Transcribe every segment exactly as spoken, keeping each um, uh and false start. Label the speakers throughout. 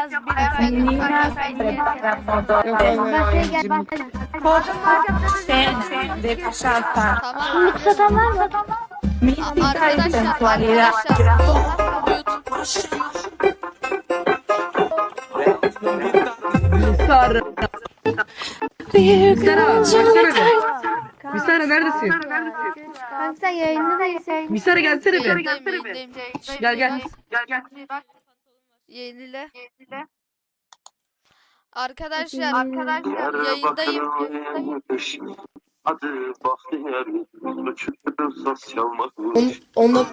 Speaker 1: Ayaz bir efendim.
Speaker 2: Yok
Speaker 3: Basaya gel basaya.
Speaker 2: de pasata.
Speaker 1: Tamam.
Speaker 3: Satan var mı?
Speaker 1: A- Arkadaşlar, arkadaşlar.
Speaker 4: Sara. Misara neredesin?
Speaker 3: Kanka sen yayında değilsin.
Speaker 4: Misara gelsene bir.
Speaker 1: Yayındayım, yayındayım.
Speaker 4: Gel gel.
Speaker 1: Yenile. Arkadaşlar, arkadaşlar yayındayım.
Speaker 5: Hadi bahtiyar saz çalmak.
Speaker 2: Onu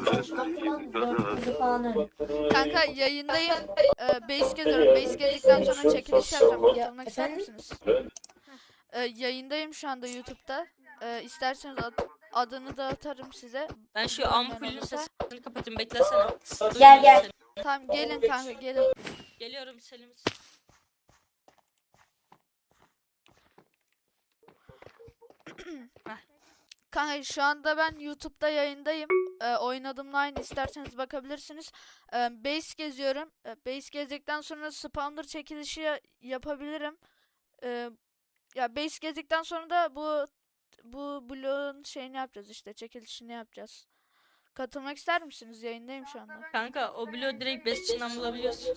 Speaker 1: Kanka yayındayım. Ee, base geziyorum. Base gezdikten sonra çekiliş yapacağım. Katılmak ister misiniz? Ee, yayındayım şu anda YouTube'da. Ee, isterseniz ad- adını da atarım size.
Speaker 6: Ben şu ampulün sesini kapatayım, beklesene.
Speaker 2: Gel, gel.
Speaker 1: Tamam gelin kanka gelin.
Speaker 6: Geliyorum Selim.
Speaker 1: Kanka şu anda ben YouTube'da yayındayım. Ee, oynadığımla aynı, isterseniz bakabilirsiniz. Ee, base geziyorum. Ee, base gezdikten sonra spawner çekilişi ya- yapabilirim. Ee, ya base gezdikten sonra da bu bu bloğun şeyini yapacağız, işte çekilişini yapacağız. Katılmak ister misiniz? Yayındayım şu anda.
Speaker 6: Kanka o bloğu direkt best içinden bulabiliyorsun.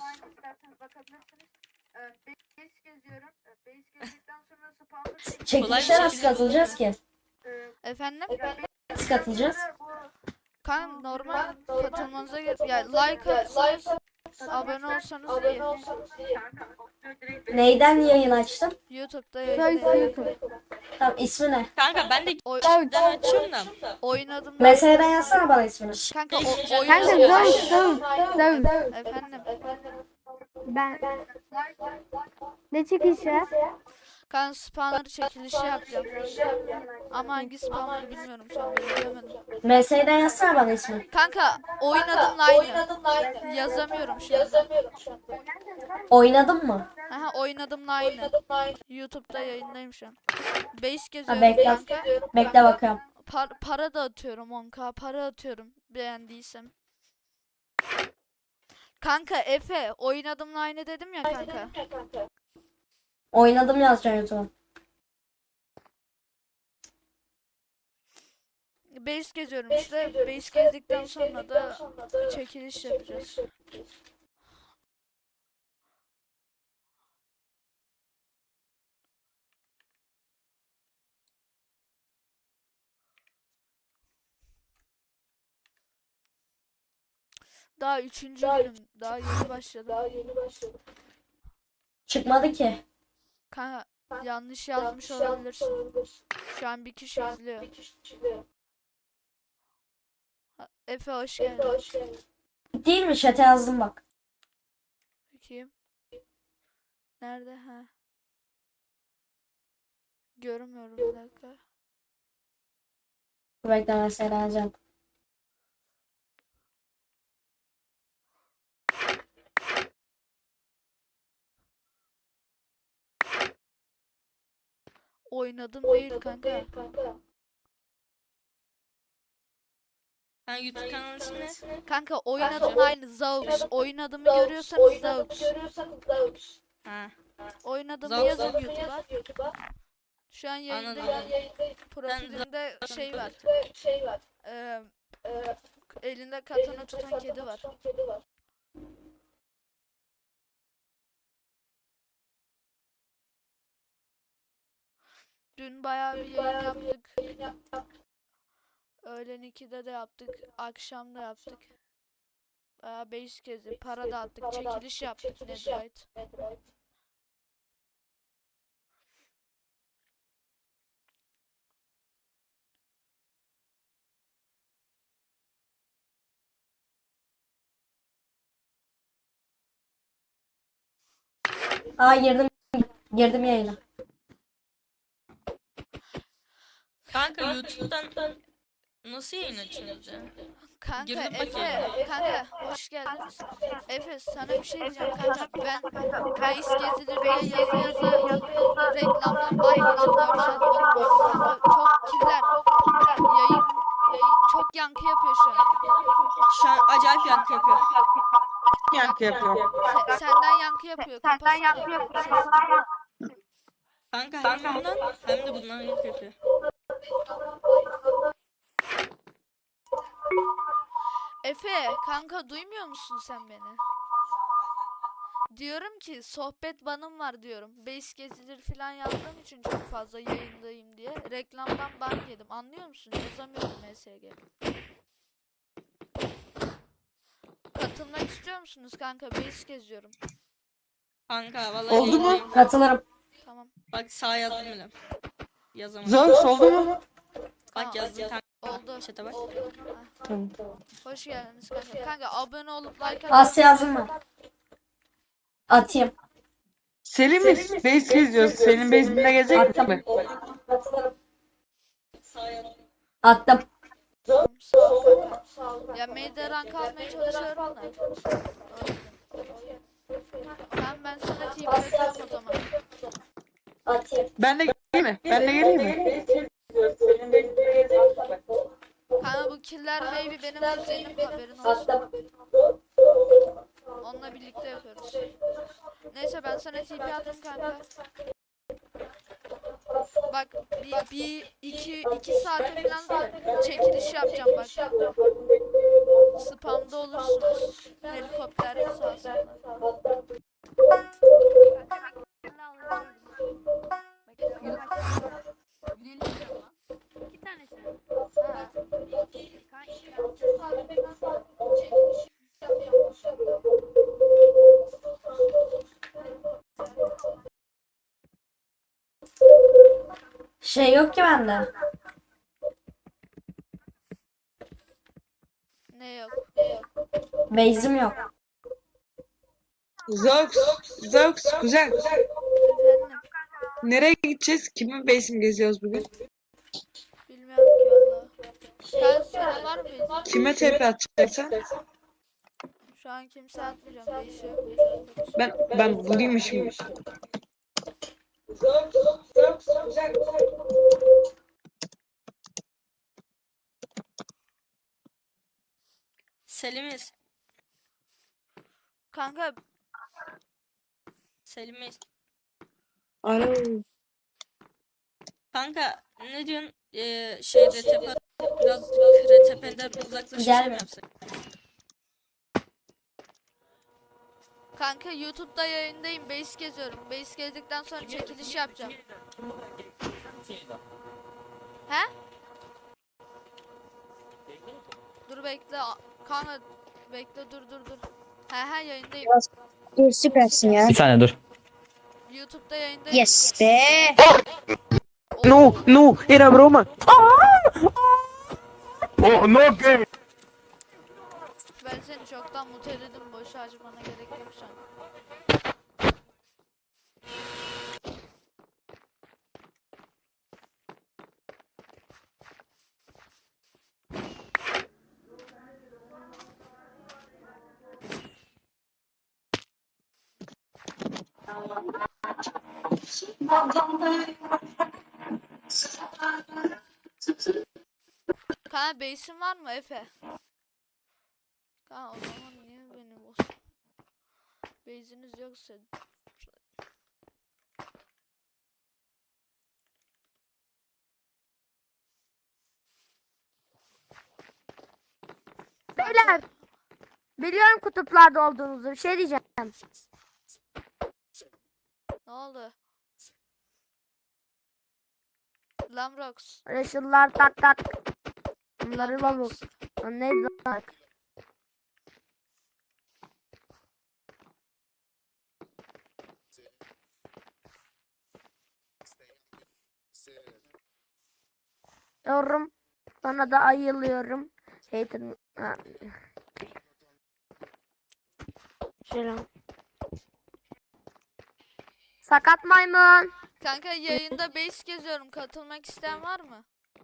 Speaker 2: Çekilişe nasıl katılacağız ki?
Speaker 1: Efendim?
Speaker 2: Nasıl katılacağız?
Speaker 1: Kan normal katılmanıza gerek. Ya like atsanız, abone olsanız iyi.
Speaker 2: Neyden yayın açtın?
Speaker 1: YouTube'da yayındayım.
Speaker 2: Tamam, ismi ne?
Speaker 6: Kanka ben de
Speaker 1: Oy
Speaker 6: ben açıyorum da.
Speaker 1: oynadım.
Speaker 2: Meseleden yazsana bana ismini.
Speaker 1: Kanka o oyun
Speaker 3: Kanka döv döv döv.
Speaker 1: efendim.
Speaker 3: Ben ne çıkışı?
Speaker 1: Kan spawner çekilişi yapacağım. Ama hangi spawner bilmiyorum şu an, bilemedim.
Speaker 2: Meseleden yazsana bana ismini.
Speaker 1: Kanka oynadım aynı. Yazamıyorum şu an.
Speaker 2: Oynadın mı?
Speaker 1: Aha oynadım aynı. YouTube'da yayındayım şu an. Base
Speaker 2: Ha,
Speaker 1: geziyorum
Speaker 2: bekle.
Speaker 1: kanka.
Speaker 2: Bekle bakalım.
Speaker 1: Par- para da atıyorum on k, para atıyorum beğendiysem. Kanka Efe oynadım aynı dedim ya kanka.
Speaker 2: Oynadım yazacaksın YouTube'a.
Speaker 1: Base geziyorum işte. Base gezdikten sonra da çekiliş yapacağız. Daha üçüncü günüm. Daha yeni başladım.
Speaker 2: Çıkmadı ki.
Speaker 1: Kanka yanlış yazmış olabilirsin. Şu an bir kişi izliyor. Ha, Efe hoş geldin.
Speaker 2: Değil mi? Chat'e yazdım bak.
Speaker 1: Bakayım. Nerede? Ha. Görmüyorum bir dakika.
Speaker 2: Bekle, mesela yazacağım.
Speaker 1: Oynadım değil kanka.
Speaker 6: Kanka YouTube kanalı ismi ne?
Speaker 1: Kanka oynadım aynı Zaux. Oynadığımı görüyorsanız Zaux.
Speaker 6: Ha.
Speaker 1: Oynadığımı
Speaker 6: Zaux.
Speaker 1: yazın YouTube'a. Şu an
Speaker 6: Anladım.
Speaker 1: yayındayım. Profilimde şey var. Ee, elinde katana tutan kedi var. Dün bayağı bir yayın yaptık. Öğlen ikide de yaptık. Akşam da yaptık. Bayağı beş kezi. Para da attık. Çekiliş yaptık. Netherite.
Speaker 2: Aa, girdim. Girdim yayına.
Speaker 6: Kanka YouTube'dan nasıl yayın açıyorsunuz ya?
Speaker 1: Kanka
Speaker 6: Girdim
Speaker 1: Efe,
Speaker 6: bakayım.
Speaker 1: kanka hoş geldiniz. Efe sana bir şey diyeceğim kanka. Ben reis gezilir diye yazı yazı reklamdan bakmadım. dört saat bakmadım. Kanka çok kirler. Yayın, yayın çok yankı yapıyor şu an.
Speaker 6: Şu an acayip yankı yapıyor.
Speaker 4: yankı yapıyor.
Speaker 1: Se- senden yankı yapıyor. Senden yankı yapıyor.
Speaker 6: Kanka hem bundan hem de bundan yapıyor.
Speaker 1: Efe kanka duymuyor musun sen beni? Diyorum ki sohbet banım var diyorum. Base gezilir falan yazdığım için çok fazla yayındayım diye. Reklamdan ban yedim. Anlıyor musun? Yazamıyorum M S G. Katılmak istiyor musunuz kanka? Base geziyorum.
Speaker 6: Kanka vallahi
Speaker 4: Oldu mu?
Speaker 6: yayındayım.
Speaker 2: Katılırım.
Speaker 1: Tamam.
Speaker 6: Bak sağ yazdım bile. Yazamadım.
Speaker 4: Zox oldu mu?
Speaker 6: Bak yazdım kanka.
Speaker 1: Oldu.
Speaker 6: Chat'e bak.
Speaker 4: Tamam.
Speaker 1: Hoş geldiniz kanka. Kanka abone olup like
Speaker 2: Asya yazdım mı? Atayım.
Speaker 4: Selim mi? Base geziyoruz. Senin base'inde gezecek mi?
Speaker 2: Katılırım. Attım.
Speaker 1: Sağ ol kanka. Ya meyde rank almaya çalışıyorum da. Ben ben sana T P atıyorum o zaman.
Speaker 2: Atayım.
Speaker 4: Ben de geleyim mi? Ben de geleyim mi?
Speaker 1: Kanka bu killer baby benim kuzenim, haberin olsun.
Speaker 2: Attım.
Speaker 1: Onunla birlikte yapıyoruz. Neyse ben sana T P attım kanka. Bak bir, bir iki, iki saate falan çekiliş yapacağım bak. Spamda olursunuz. Helikopter sahasında. İki tanesi. Ha.
Speaker 2: Şey yok ki bende.
Speaker 1: Ne yok?
Speaker 2: Base'im yok.
Speaker 4: Zox. Zox. Kuzen.
Speaker 1: Efendim?
Speaker 4: Nereye gideceğiz? Kimin base'ini geziyoruz bugün?
Speaker 1: Bilmiyorum ki valla. Sen senin var mı bezin?
Speaker 4: Kime T P atacaksın?
Speaker 1: Şu an kimse atmayacağım. Değişiyor.
Speaker 4: Ben ben bulayım şimdi.
Speaker 6: Selim'iz.
Speaker 1: Kanka
Speaker 6: Selim'iz.
Speaker 4: Alo.
Speaker 6: Kanka ne diyorsun? Ee, şey R T P biraz R T P'den uzaklaşıp şey
Speaker 2: Gelme.
Speaker 6: mi yapsak?
Speaker 1: kanka YouTube'da yayındayım. Base geziyorum. Base gezdikten sonra çekiliş yapacağım. He? Dur bekle. a- Kanka bekle dur dur dur. He he yayındayım.
Speaker 7: Dur süpersin ya.
Speaker 8: Bir saniye dur.
Speaker 1: YouTube'da yayındayım.
Speaker 7: Yes be.
Speaker 4: No, no, era broma.
Speaker 5: Oh no game.
Speaker 1: Ben seni çoktan muteledim. Boş harcamana gerek yok şu an. Kanka base'in var mı Efe? Kanka o zaman niye beni boz? Base'iniz yoksa
Speaker 3: Beyler. Biliyorum kutuplarda olduğunuzu. Bir şey diyeceğim.
Speaker 1: ne oldu? Lamrox.
Speaker 3: Reşullar tak tak. Bunları babuk. Neydi lan? Yorum. Sana da ayılıyorum. Hater. Ha. Selam. Sakat maymun.
Speaker 1: Kanka yayında base geziyorum. Katılmak isteyen var mı?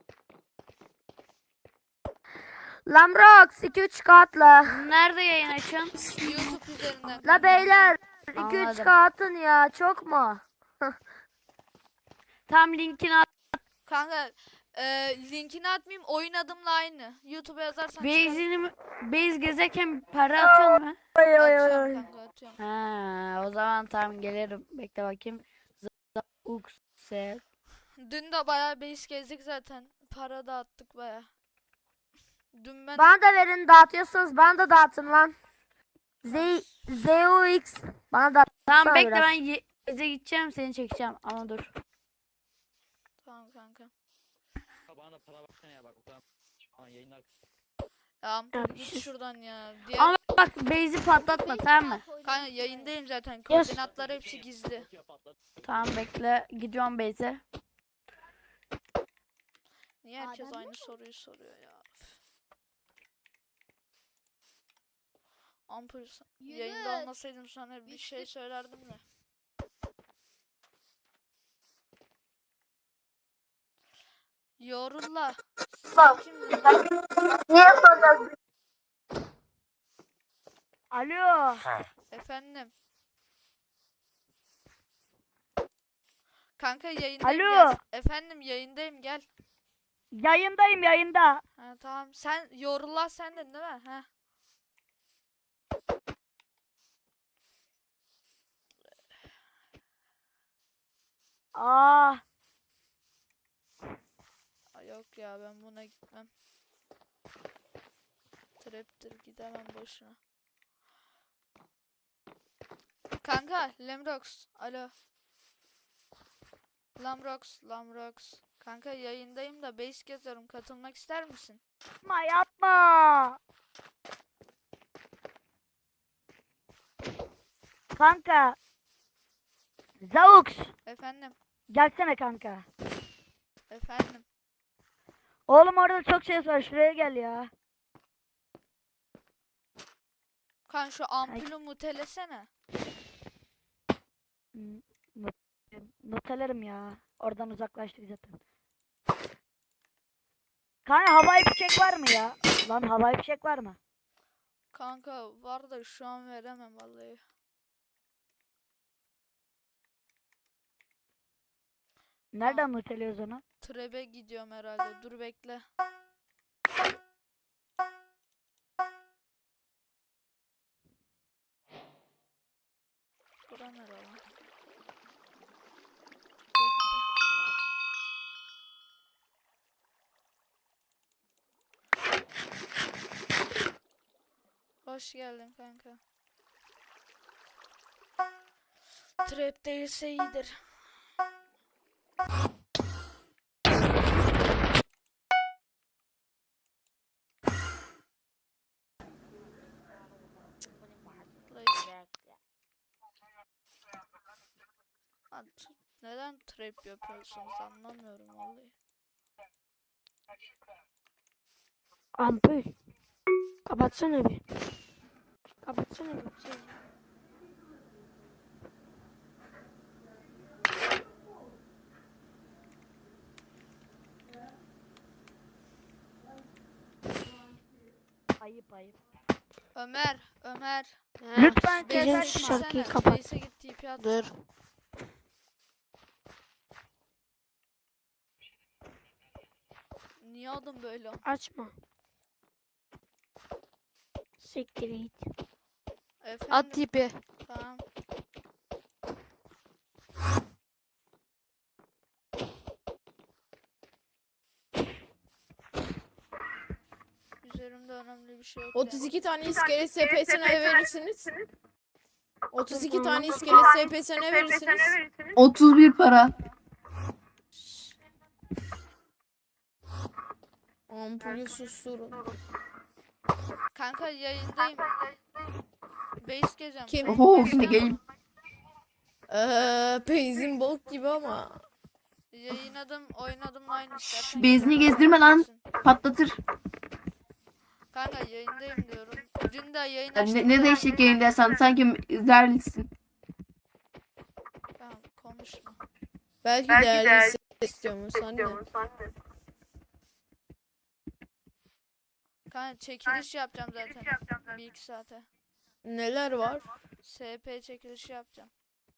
Speaker 3: Lamrox iki üç katla.
Speaker 9: Nerede yayın açıyorsun?
Speaker 1: YouTube üzerinden.
Speaker 3: La beyler iki üç
Speaker 9: Anladım.
Speaker 3: katın ya çok mu?
Speaker 9: Tam linkini at.
Speaker 1: Kanka e, linkini atmayayım, oyun adımla aynı. YouTube'a yazarsan çıkar.
Speaker 3: Base'ini mi- base gezerken para atıyor mu?
Speaker 1: Atıyorum kanka, atıyorum.
Speaker 3: Ha, o zaman tamam gelirim. Bekle bakayım. Ukse.
Speaker 1: Dün de bayağı base gezdik zaten. Para da attık bayağı. Dün ben
Speaker 3: Bana da verin, dağıtıyorsanız bana da dağıtın lan. Z ZOX bana da. Tamam bekle, ben ye- Base'e gideceğim, seni çekeceğim ama dur.
Speaker 1: tamam kanka.
Speaker 8: Bana da para baksana ya bak o kadar şu an yayınlar.
Speaker 1: Ya Ampul git
Speaker 3: şey-
Speaker 1: şuradan ya. Diğer
Speaker 3: Ama bak base'i patlatma, tamam mı?
Speaker 1: kanka yayındayım zaten.
Speaker 3: Yes.
Speaker 1: Koordinatlar hepsi gizli.
Speaker 3: Tamam bekle, gidiyorum base'e.
Speaker 1: Niye herkes aynı soruyu soruyor ya? Üf. Ampul sen- yayında olmasaydım sana bir şey söylerdim de. Yorulla. Sen kimdin?
Speaker 2: Niye soruyorsun?
Speaker 3: Alo.
Speaker 1: Efendim. Kanka yayındayım
Speaker 3: Alo.
Speaker 1: gel. Efendim yayındayım gel.
Speaker 3: Yayındayım, yayında.
Speaker 1: Ha tamam. Sen Yorullah sendin değil mi? Ha.
Speaker 3: Aa.
Speaker 1: Ay yok ya, ben buna gitmem. Trap'tir, gidemem boşuna. Kanka Lamrox. Alo. Lamrox, Lamrox. Kanka yayındayım da base geziyorum. Katılmak ister misin?
Speaker 3: Yapma, yapma. Kanka. Zaux.
Speaker 1: Efendim.
Speaker 3: Gelsene kanka.
Speaker 1: Efendim.
Speaker 3: Oğlum orada çok ses var, şuraya gel ya.
Speaker 1: Kan şu ampulü mutelesene.
Speaker 3: Hmm, not- Notelerim ya. Oradan uzaklaştık zaten. Kanka havai fişek var mı ya? Lan havai fişek var mı?
Speaker 1: Kanka var da şu an veremem vallahi.
Speaker 3: Nereden noteliyoruz onu?
Speaker 1: Trebe gidiyorum herhalde. Dur bekle. Bura nere lan? Bekle. Hoş geldin kanka. Trap değilse iyidir. Lan t- neden trap yapıyorsunuz anlamıyorum vallahi.
Speaker 3: Ampul. Kapatsana bir. Kapatsana bir. Şey. Ayıp ayıp.
Speaker 1: Ömer, Ömer.
Speaker 3: Lütfen
Speaker 1: Base'e
Speaker 3: ses şarkıyı
Speaker 1: gitsene.
Speaker 3: kapat.
Speaker 1: Base'e git T P at.
Speaker 3: Dur.
Speaker 1: Niye adım böyle?
Speaker 3: Açma. Siktir git.
Speaker 1: Efendim?
Speaker 3: At tipi.
Speaker 1: Tamam. Üzerimde önemli bir şey yok.
Speaker 10: otuz iki
Speaker 1: yani.
Speaker 10: tane iskelet S P'sine ne verirsiniz? otuz iki tane iskelet S P'sine ne verirsiniz?
Speaker 4: otuz bir para.
Speaker 10: Ampulü susturun.
Speaker 1: Kanka yayındayım. Base gezeceğim.
Speaker 10: Kim?
Speaker 1: Base
Speaker 4: Oho
Speaker 1: gezeceğim.
Speaker 4: geleyim.
Speaker 10: Eee Peyzin bok gibi ama.
Speaker 1: Yayın adım, oyun adımla aynı istersen.
Speaker 4: Bezini gezdirme lan. Patlatır.
Speaker 1: Kanka yayındayım diyorum. Dün de yayın
Speaker 4: Ya
Speaker 1: açtım.
Speaker 4: ne, ne değişik yayındaysan sanki zerlisin.
Speaker 1: Tamam konuşma.
Speaker 10: Belki, değerli istiyormuş anne.
Speaker 1: Kanka çekiliş yapacağım zaten. Bir iki saate.
Speaker 10: Neler var?
Speaker 1: S P çekilişi yapacağım.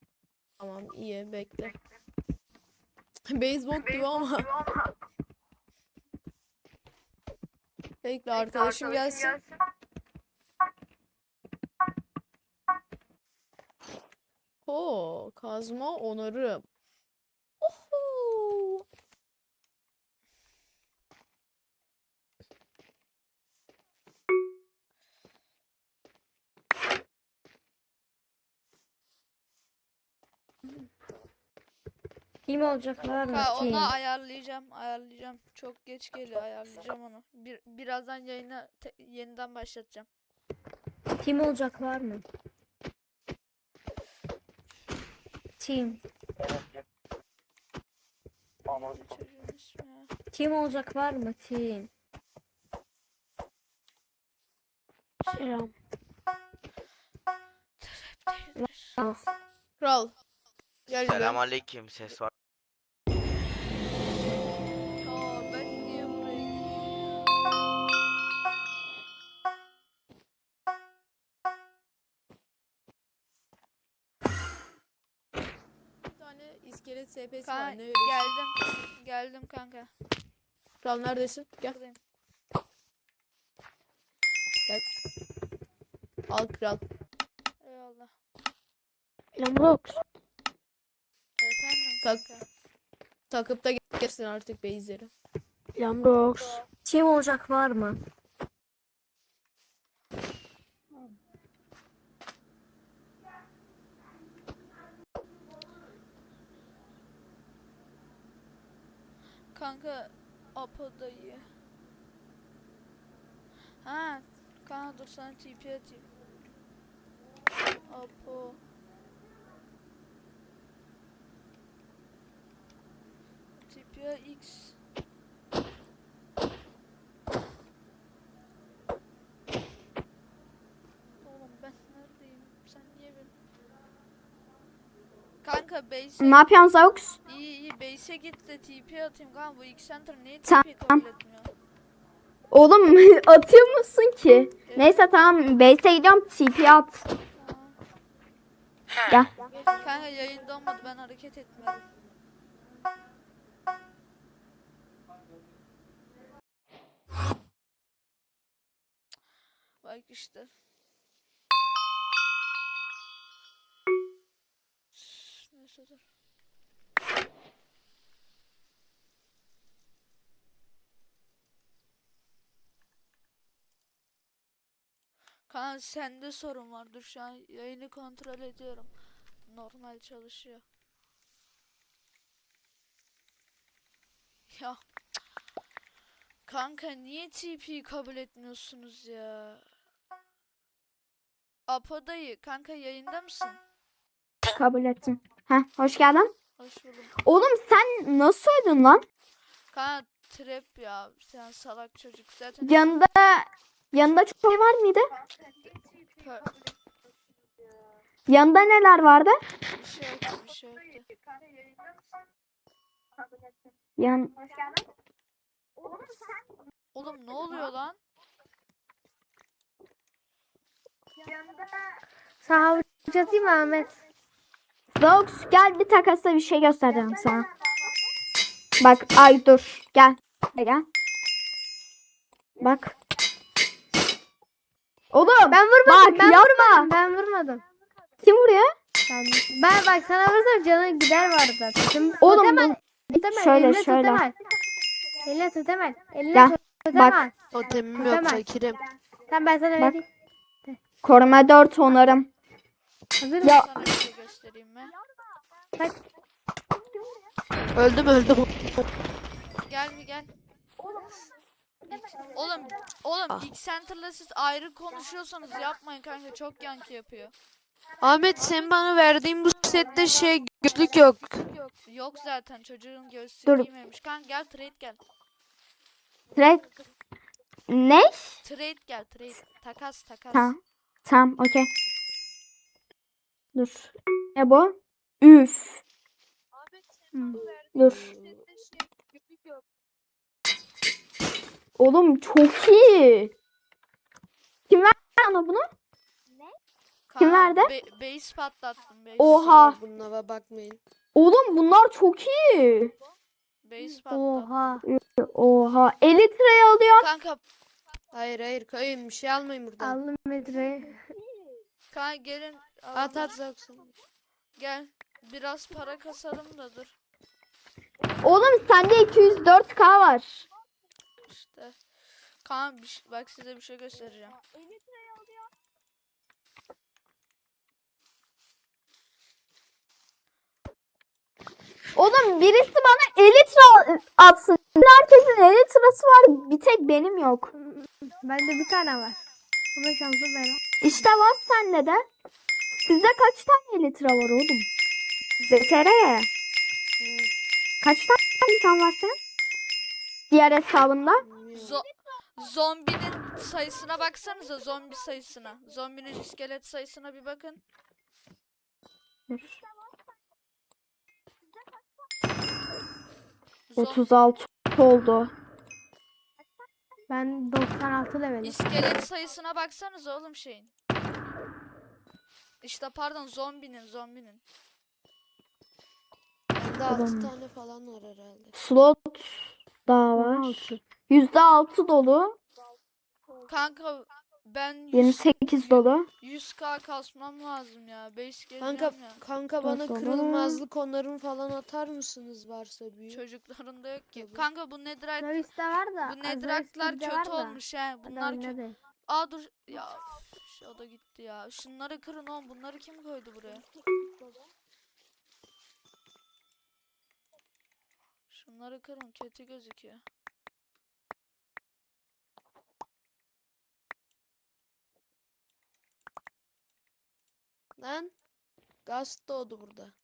Speaker 10: Tamam iyi bekle. Beyzbol gibi ama. Bekle arkadaşım gelsin. Oo, kazma onarım. Oho.
Speaker 3: Kim olacaklar mı?
Speaker 1: Ka
Speaker 3: Kim?
Speaker 1: onu ayarlayacağım, ayarlayacağım. Çok geç geliyor, ayarlayacağım onu. Bir birazdan yayını te- yeniden başlatacağım.
Speaker 3: Kim olacaklar mı? Team.
Speaker 1: Çocuğun ismi ya.
Speaker 3: Kim olacak var mı? Team. Selam.
Speaker 10: Kral. Gel buraya.
Speaker 11: Selamünaleyküm, ses var.
Speaker 1: Aa, ben niye buraya
Speaker 10: Bir tane iskelet S P'si
Speaker 1: Kanka,
Speaker 10: var. Ne verirsin?
Speaker 1: geldim. Geldim kanka.
Speaker 10: Kral neredesin? Gel.
Speaker 1: Buradayım.
Speaker 10: Al kral.
Speaker 1: Eyvallah.
Speaker 3: Lamrox.
Speaker 1: Efendim
Speaker 10: Tak-
Speaker 1: kanka.
Speaker 10: Takıp da gelsin artık base'leri.
Speaker 3: Lamrox. Team olacak var mı?
Speaker 1: Kanka Apo dayı. Ha, kanka dur sana T P atayım. Apo. T P X. Oğlum ben neredeyim? Sen niye ben? Kanka base'e
Speaker 7: Ne yapıyorsun Zaux?
Speaker 1: iyi iyi base'e git de T P atayım kanka, bu X Center niye
Speaker 7: Tamam.
Speaker 1: T P kabul etmiyor?
Speaker 7: Oğlum atıyor musun ki? Neyse tamam base'e gidiyorum T P at. Gel.
Speaker 1: Kanka yayında olmadı, ben hareket etmedim. Bak işte. Neyse dur. Kanka sende sorun var. Dur şu an yayını kontrol ediyorum. Normal çalışıyor. Ya. Kanka niye T P'yi kabul etmiyorsunuz ya? Apo dayı kanka yayında mısın?
Speaker 7: Kabul ettim. Heh, hoş geldin.
Speaker 1: Hoş buldum.
Speaker 7: Oğlum sen nasıl öldün lan?
Speaker 1: Kanka trap ya, sen salak çocuk zaten.
Speaker 7: Yanında yanında çok şey var mıydı?
Speaker 1: Pö-
Speaker 7: Yanında neler vardı?
Speaker 1: bir şey yoktu, bir şey yoktu.
Speaker 7: Yan
Speaker 1: Oğlum ne oluyor lan?
Speaker 3: Sana atayım mı Ahmet?
Speaker 7: Zaux gel bir takasla bir şey göstereceğim sana. Bak ay dur gel. Gel. gel. Bak. Oğlum
Speaker 3: Ben vurmadım.
Speaker 7: bak
Speaker 3: ben
Speaker 7: yapma.
Speaker 3: vurmadım. Ben vurmadım.
Speaker 7: Kim vuruyor?
Speaker 3: Ben, ben bak sana vursam canın gider vardı zaten. Şimdi
Speaker 7: Oğlum
Speaker 3: totem al,
Speaker 7: bu
Speaker 3: totem al,
Speaker 7: şöyle,
Speaker 3: eline
Speaker 7: şöyle.
Speaker 3: totem al. Eline totem al. Eline
Speaker 7: Gel,
Speaker 3: totem
Speaker 7: bak.
Speaker 3: al.
Speaker 10: Totemim
Speaker 3: yok,
Speaker 10: fakirim.
Speaker 3: Tamam ben sana
Speaker 7: Bak.
Speaker 3: vereyim.
Speaker 7: koruma dört onarım.
Speaker 3: Hazır mısın?
Speaker 7: Ya
Speaker 1: Sana bir şey göstereyim mi?
Speaker 10: Öldüm öldüm.
Speaker 1: Gel mi gel. Oğlum, oğlum X Center'la siz ayrı konuşuyorsanız yapmayın kanka, çok yankı yapıyor.
Speaker 10: Ahmet sen bana verdiğin bu sette şey gözlük yok.
Speaker 1: Yok zaten çocuğun göğsü
Speaker 7: Dur.
Speaker 1: giymemiş. Kanka gel trade gel.
Speaker 7: trade. Ne?
Speaker 1: Trade gel trade. Takas takas.
Speaker 7: Tamam. Tamam okey. Dur. Ne bu? Üf. Hmm, Dur. Oğlum çok iyi. Kim verdi sana bunu? Kim
Speaker 1: Kanka,
Speaker 7: verdi?
Speaker 1: Be- base patlattım base.
Speaker 7: Oha.
Speaker 10: Bunlara bakmayın.
Speaker 7: Oğlum bunlar çok iyi.
Speaker 1: Base patlattım.
Speaker 3: Oha.
Speaker 7: Oha. Elitre alıyor.
Speaker 1: Kanka
Speaker 10: Hayır hayır kayın bir şey almayın buradan.
Speaker 3: Aldım metreyi.
Speaker 1: Kanka gelin.
Speaker 10: At
Speaker 1: alalım.
Speaker 10: at Zox'un.
Speaker 1: Gel. Biraz para kasalım da dur.
Speaker 7: Oğlum sende iki yüz dört K var.
Speaker 1: İşte. Kaan bir şey- bak size bir şey göstereceğim.
Speaker 7: Oğlum birisi bana elitra atsın. Herkesin elitrası var. Bir tek benim yok.
Speaker 3: Bende bir tane var. Ama şansı benim.
Speaker 7: İşte var sende de. Sizde kaç tane elitra var oğlum? Z T R. Kaç tane insan var senin? Diğer hesabında.
Speaker 1: Zo zombinin sayısına baksanıza, zombi sayısına. Zombinin iskelet sayısına bir bakın. Zo
Speaker 7: otuz altı oldu.
Speaker 3: Ben doksan altı levelim.
Speaker 1: iskelet sayısına baksanıza oğlum şeyin. İşte pardon zombinin zombinin.
Speaker 10: Bende altı
Speaker 7: Oğlum.
Speaker 10: tane falan var herhalde.
Speaker 7: Slot daha var. yüzde altı dolu.
Speaker 1: Kanka ben yüz,
Speaker 7: yirmi sekiz dolu.
Speaker 1: yüz K kasmam lazım ya. Base geleceğim
Speaker 10: Kanka
Speaker 1: ya.
Speaker 10: kanka bana
Speaker 7: Bakalım.
Speaker 10: kırılmazlık onarım falan atar mısınız varsa büyük?
Speaker 1: Çocuklarında yok ki.
Speaker 10: Tabii.
Speaker 1: Kanka bu netherite
Speaker 3: Zois'te var da.
Speaker 1: bu netherite'lar
Speaker 3: Zois'te
Speaker 1: kötü
Speaker 3: var da.
Speaker 1: olmuş he. Bunlar kötü.
Speaker 3: Bunlar
Speaker 1: Aa dur ya. üf, O da gitti ya. Şunları kırın oğlum. Bunları kim koydu buraya? Şunları kırın. Kötü gözüküyor.
Speaker 10: Lan gaz doğdu burada.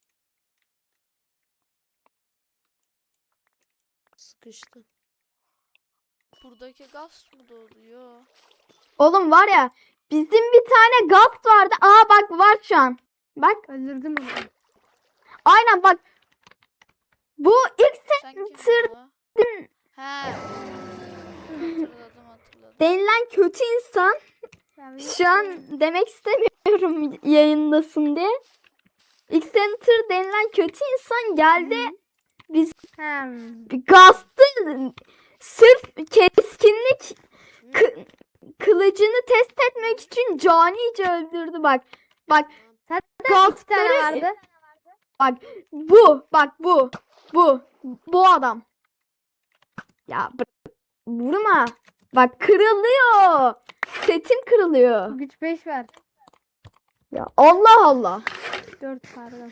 Speaker 10: Sıkıştım.
Speaker 1: Buradaki gaz mı doluyor?
Speaker 7: Oğlum var ya bizim bir tane gaz vardı. Aa bak var şu an. Bak
Speaker 3: öldürdüm onu.
Speaker 7: aynen bak. Bu ilk
Speaker 1: Sen kim
Speaker 7: tır-
Speaker 1: bu? He. Hatırladım hatırladım.
Speaker 7: denilen kötü insan. Şu an demek istemiyorum yayındasın diye. X-Center denilen kötü insan geldi. Biz
Speaker 3: Hem.
Speaker 7: gastı sırf keskinlik kı- kılıcını test etmek için canice öldürdü bak. Bak
Speaker 3: İki tane
Speaker 7: gastları
Speaker 3: vardı.
Speaker 7: bu bak bu bu bu adam. Ya bırak, vurma. Bak kırılıyor. Setim kırılıyor.
Speaker 3: Güç beş var.
Speaker 7: Ya Allah Allah.
Speaker 3: dört pardon.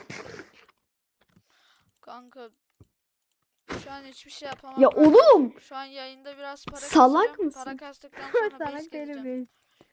Speaker 1: Kanka şu an hiçbir şey yapamam.
Speaker 7: Ya
Speaker 1: ben.
Speaker 7: oğlum.
Speaker 1: Şu an yayında biraz para
Speaker 7: Salak
Speaker 1: kasacağım.
Speaker 7: mısın?
Speaker 1: Para kastıktan sonra base
Speaker 3: Salak
Speaker 1: geleceğim.
Speaker 3: değilim.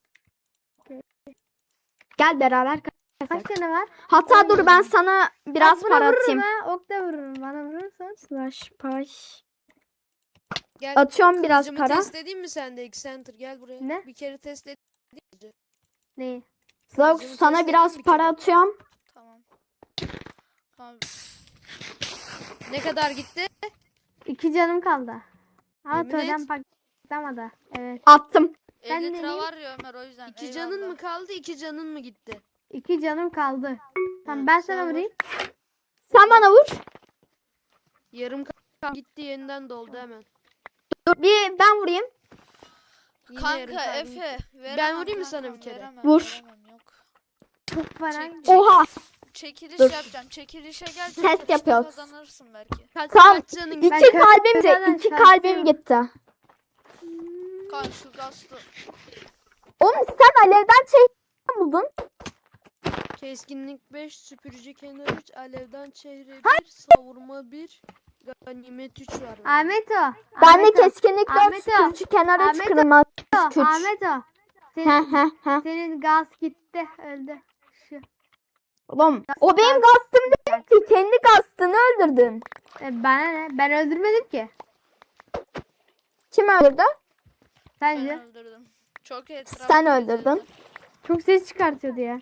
Speaker 7: Gel beraber
Speaker 3: Kaç
Speaker 7: kaçak.
Speaker 3: tane var?
Speaker 7: Hatta dur ben sana biraz
Speaker 3: Bak, buna
Speaker 7: para
Speaker 3: vururum
Speaker 7: atayım.
Speaker 3: ha. Ok da vururum. Bana vurursan.
Speaker 7: Slash paş.
Speaker 10: Gel
Speaker 7: Atıyorum biraz
Speaker 10: kılıcımı
Speaker 7: para.
Speaker 10: test edeyim mi sen de X-Center gel buraya.
Speaker 3: Ne?
Speaker 10: Bir kere test et.
Speaker 3: Neyi?
Speaker 7: Zox
Speaker 10: Kılıcımı
Speaker 7: sana
Speaker 10: test
Speaker 7: biraz
Speaker 10: edeyim bir
Speaker 7: para
Speaker 1: şey
Speaker 10: kere.
Speaker 7: atıyorum.
Speaker 1: Tamam. Tamam.
Speaker 10: Ne kadar gitti?
Speaker 3: İki canım kaldı. Ama
Speaker 10: Yemin
Speaker 3: törden
Speaker 10: et.
Speaker 3: patlamadı. Evet.
Speaker 7: Attım.
Speaker 3: Ben
Speaker 1: elli lira
Speaker 3: deneyeyim.
Speaker 1: var ya Ömer o yüzden.
Speaker 10: İki canın
Speaker 1: eyvallah.
Speaker 10: mı kaldı? İki canın mı gitti?
Speaker 3: İki canım kaldı. Tamam
Speaker 10: Ha,
Speaker 3: ben
Speaker 10: sen
Speaker 3: sana
Speaker 10: vur.
Speaker 3: vurayım.
Speaker 7: Sen bana vur.
Speaker 10: Yarım kaldı gitti yeniden doldu hemen.
Speaker 7: Dur bir ben vurayım.
Speaker 10: Yine yarım
Speaker 1: Kanka
Speaker 10: kaldı
Speaker 1: Efe
Speaker 10: gitti.
Speaker 1: veremem
Speaker 10: vurayım mı sana
Speaker 1: kankam,
Speaker 10: bir kere?
Speaker 1: veremem,
Speaker 7: Vur.
Speaker 1: veremem, yok.
Speaker 3: Çok para.
Speaker 1: Çek-
Speaker 7: Oha.
Speaker 1: Çekiliş
Speaker 7: Dur.
Speaker 1: yapacağım. Çekilişe gel.
Speaker 7: Test
Speaker 1: çekilişte
Speaker 7: yapıyoruz.
Speaker 1: Kazanırsın belki.
Speaker 10: Kaç,
Speaker 7: Tamam.
Speaker 10: kaç canın
Speaker 7: İki
Speaker 10: gitti?
Speaker 3: Ben
Speaker 7: kalbim
Speaker 3: köprüden
Speaker 7: de iki
Speaker 3: şarkı
Speaker 7: kalbim
Speaker 3: yok.
Speaker 7: gitti.
Speaker 1: Kan şu gazlı.
Speaker 7: Oğlum sen alevden şey buldun.
Speaker 10: Keskinlik beş, süpürücü kenar üç, alevden çehre bir, savurma bir, ganimet üç var. bende.
Speaker 3: Ahmet o.
Speaker 7: Ben de
Speaker 3: Ahmet o.
Speaker 7: keskinlik dört
Speaker 3: Ahmet o.
Speaker 7: sürücü kenara
Speaker 3: Ahmet o.
Speaker 7: çıkırmaz güç.
Speaker 3: Ahmet o.
Speaker 7: He
Speaker 3: Senin,
Speaker 7: he he.
Speaker 3: senin gaz gitti. Öldü. Şu.
Speaker 7: Oğlum o benim gastım değil ki. Kendi gastını öldürdün.
Speaker 3: E, bana ne? Ben öldürmedim ki.
Speaker 7: Kim öldürdü?
Speaker 1: Ben
Speaker 3: Sence?
Speaker 1: öldürdüm. Çok etraflı.
Speaker 7: Sen öldürdün.
Speaker 3: Çok ses çıkartıyordu ya.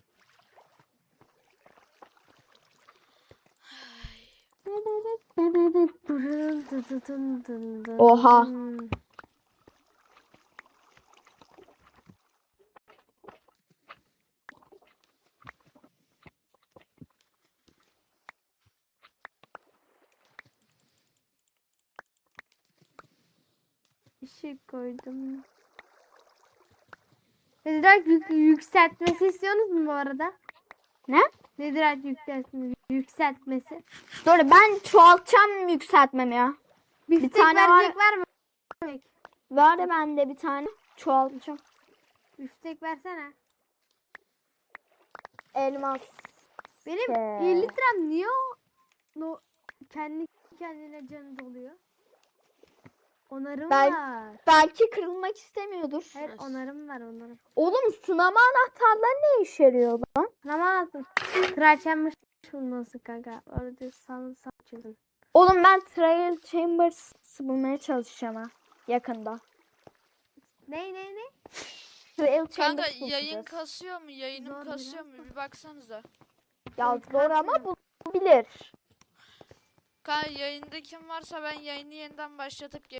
Speaker 7: Oha.
Speaker 3: ışık koydum. Netherite yük, yükseltmesi istiyorsunuz mu bu arada?
Speaker 7: Ne?
Speaker 3: Netherite yükseltmesi. Yükseltmesi.
Speaker 7: Dur ben çoğaltacağım yükseltmemi ya.
Speaker 3: Bir,
Speaker 7: Bir
Speaker 3: tane
Speaker 7: tane var.
Speaker 3: verecek var mı?
Speaker 7: Var da bende bir tane. Çoğaltacağım.
Speaker 3: Üstek versene.
Speaker 7: Elmas.
Speaker 3: Benim
Speaker 7: Ee.
Speaker 3: elli litrem niye o no, kendi kendine canı doluyor? Onarım
Speaker 7: Ben-
Speaker 3: var.
Speaker 7: Belki kırılmak istemiyordur.
Speaker 3: Hayır onarım var onarım.
Speaker 7: Oğlum sınama anahtarları ne işe yarıyor lan?
Speaker 3: Tamam anlattım. Kraliçem bulması kanka. Orada sal sal çözün.
Speaker 7: Oğlum ben Trial Chambers bulmaya çalışacağım ha. Yakında.
Speaker 3: Ne ne ne?
Speaker 7: Trial
Speaker 1: Kanka
Speaker 7: Chambers
Speaker 1: yayın
Speaker 7: bulacağız.
Speaker 1: kasıyor mu? Yayınım
Speaker 3: Zor
Speaker 1: kasıyor
Speaker 3: biraz
Speaker 1: mu? Bir baksanıza.
Speaker 7: Ya zor ama bulabilir.
Speaker 1: Kanka yayında kim varsa ben yayını yeniden başlatıp